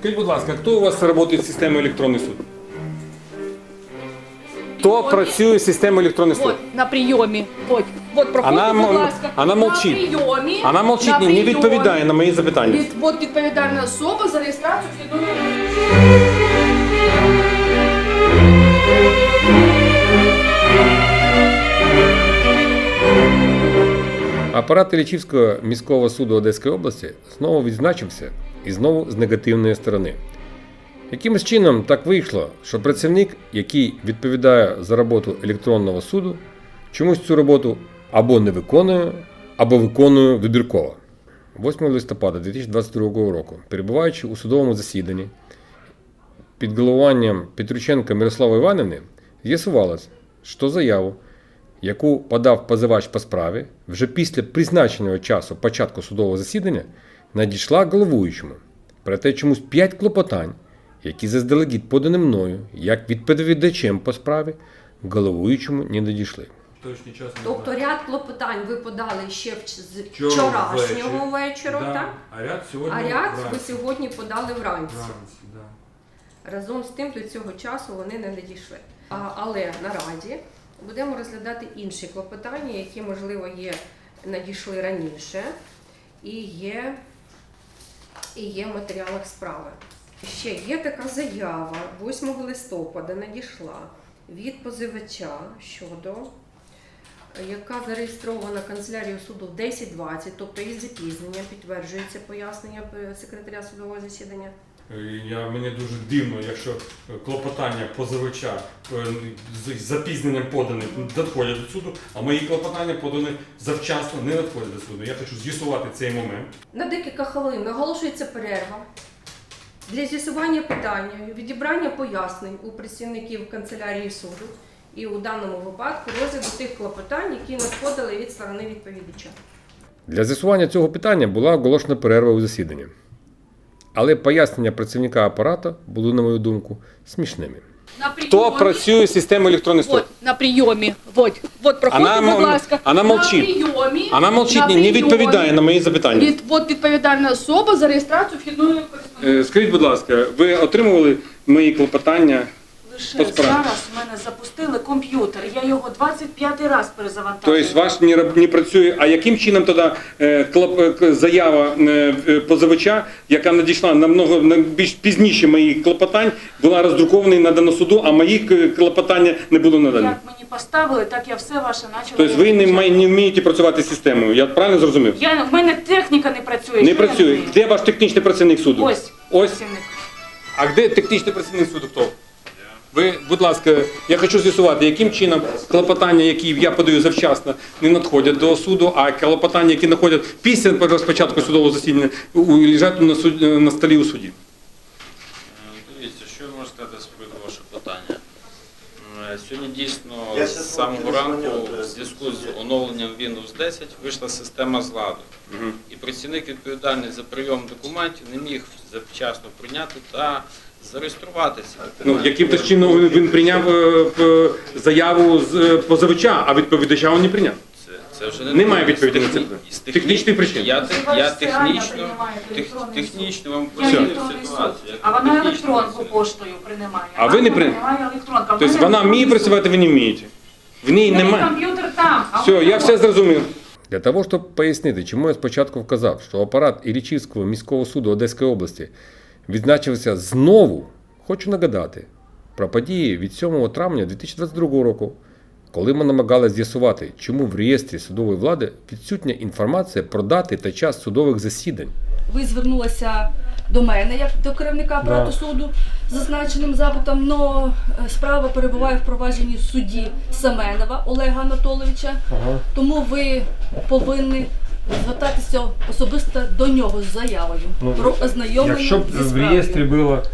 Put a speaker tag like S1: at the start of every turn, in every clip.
S1: Скажіть, будь ласка, хто у вас працює з системою електронний суд? Хто працює з системою електронний суд?
S2: Вот, на прийомі. Вот, проходьте, будь ласка.
S1: Вона мовчить.
S2: На прийомі.
S1: Вона мовчить, не відповідає на мої запитання.
S2: От відповідальна особа за реєстрацію вхідної.
S1: Апарат Іллічівського міського суду Одеської області знову відзначився і знову з негативної сторони. Якимось чином так вийшло, що працівник, який відповідає за роботу електронного суду, чомусь цю роботу або не виконує, або виконує вибірково. 8 листопада 2022 року, перебуваючи у судовому засіданні, під головуванням Петрученка Мирослави Іванівни, з'ясувалось, що заяву, яку подав позивач по справі, вже після призначеного часу початку судового засідання надійшла головуючому. Проте чомусь 5 клопотань, які заздалегідь подані мною, як відповідачем по справі, головуючому не надійшли.
S3: Тобто ряд клопотань ви подали ще з вчорашнього вечора,
S1: да.
S3: так?
S1: А ряд
S3: ви сьогодні подали вранці.
S1: Да.
S3: Разом з тим до цього часу вони не надійшли. Але наразі будемо розглядати інші клопотання, які, можливо, надійшли раніше і є в матеріалах справи. Ще є така заява 8 листопада надійшла від позивача щодо, яка зареєстрована канцелярією суду в 10:20, тобто із запізненням, підтверджується пояснення секретаря судового засідання.
S1: Мені дуже дивно, якщо клопотання позивача з запізненням подані надходять до суду, а мої клопотання подані завчасно не надходять до суду. Я хочу з'ясувати цей момент.
S3: На декілька хвилин оголошується перерва для з'ясування питання, відібрання пояснень у працівників канцелярії суду і у даному випадку розгляду тих клопотань, які надходили від сторони відповідача.
S1: Для з'ясування цього питання була оголошена перерва у засіданні. Але пояснення працівника апарату були, на мою думку, смішними. Хто працює з системою електронний суд?
S2: Вот, на прийомі. Вот, проходьте, будь ласка.
S1: Вона мовчить.
S2: На прийомі.
S1: Вона мовчить, не відповідає на мої запитання.
S2: От відповідальна особа за реєстрацію вхідної кореспонденції.
S1: Скажіть, будь ласка, ви отримували мої клопотання?
S4: Лише зараз в мене запустили комп'ютер, я його 25-й раз перезавантажую.
S1: Тобто ваш не працює, а яким чином тоді заява позивача, яка надійшла більш пізніше моїх клопотань, була роздрукована і надана суду, а мої клопотання не було надані?
S4: Як мені поставили, так я все ваше почала.
S1: Тобто ви не вмієте працювати з системою, я правильно зрозумів?
S4: В мене техніка не працює.
S1: Не
S4: що я
S1: працює.
S4: вмію?
S1: Де ваш технічний працівник суду?
S4: Ось. Працівник.
S1: А де технічний працівник суду хто? Ви, будь ласка, я хочу з'ясувати, яким чином клопотання, які я подаю завчасно, не надходять до суду, а клопотання, які надходять після розпочатку судового засідання, лежать на столі у суді.
S5: Дивіться, що я можу сказати з приводу вашого питання. Сьогодні дійсно з самого ранку в зв'язку з оновленням Windows 10 вийшла система з ладу. І працівник відповідальний за прийом документів не міг завчасно прийняти та зареєструватися.
S1: Яким то чином він прийняв заяву з позивача, а відповідача він не прийняв?
S5: Це вже
S1: Немає відповіді на це. Технічні причини.
S5: Я технічно вам пояснив ситуацію.
S4: А вона електронку поштою приймає.
S1: А ви не приймаєте? Тобто вона вміє працювати, ви не вмієте? В ній немає?
S4: Комп'ютер там.
S1: Все, я все зрозумів. Для того, щоб пояснити, чому я спочатку вказав, що апарат Іллічівського міського суду Одеської області відзначився знову, хочу нагадати про події від 7 травня 2022 року, коли ми намагалися з'ясувати, чому в реєстрі судової влади відсутня інформація про дати та час судових засідань.
S2: Ви звернулися до мене, як до керівника апарату суду, з зазначеним запитом, але справа перебуває в провадженні судді Семенова Олега Анатолійовича, тому ви повинні звертатися особисто до нього з заявою про ознайомлення зі справою.
S6: Якщо б в реєстрі було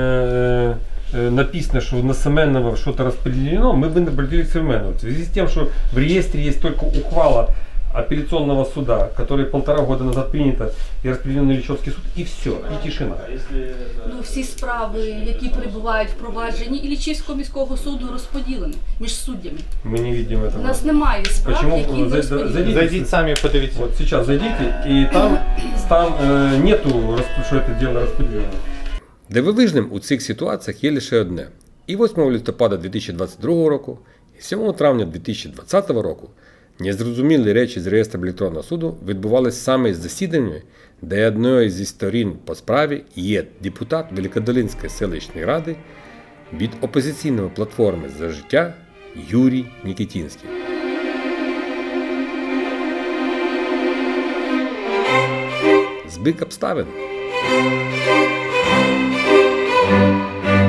S6: написано, что на Семенова что-то распределено, мы бы обратились к Семенову. В связи с тем, что в реестре есть только ухвала апелляционного суда, которая 1,5 года назад принята и распределена на Іллічівський суд, и все, и тишина.
S2: Всі справи, які перебувають в провадженні Іллічівського міського суду, розподілені між суддями.
S6: Мы не видим этого.
S2: У нас немає справ,
S6: Почему?
S2: які не розподілені.
S6: Зайдите сами, подивитесь. Вот сейчас зайдите, и там нету, что это дело распределено.
S1: Дивовижним у цих ситуаціях є лише одне. І 8 листопада 2022 року, і 7 травня 2020 року незрозумілі речі з реєстру електронного суду відбувалися саме з засіданнями, де одною зі сторін по справі є депутат Великодолинської селищної ради від опозиційної платформи «За життя» Юрій Нікітінський. Збіг обставин.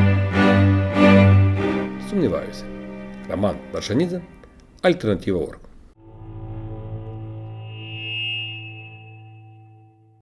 S1: Сумніваюся. Роман Варшанідзе, Альтернатива.орг.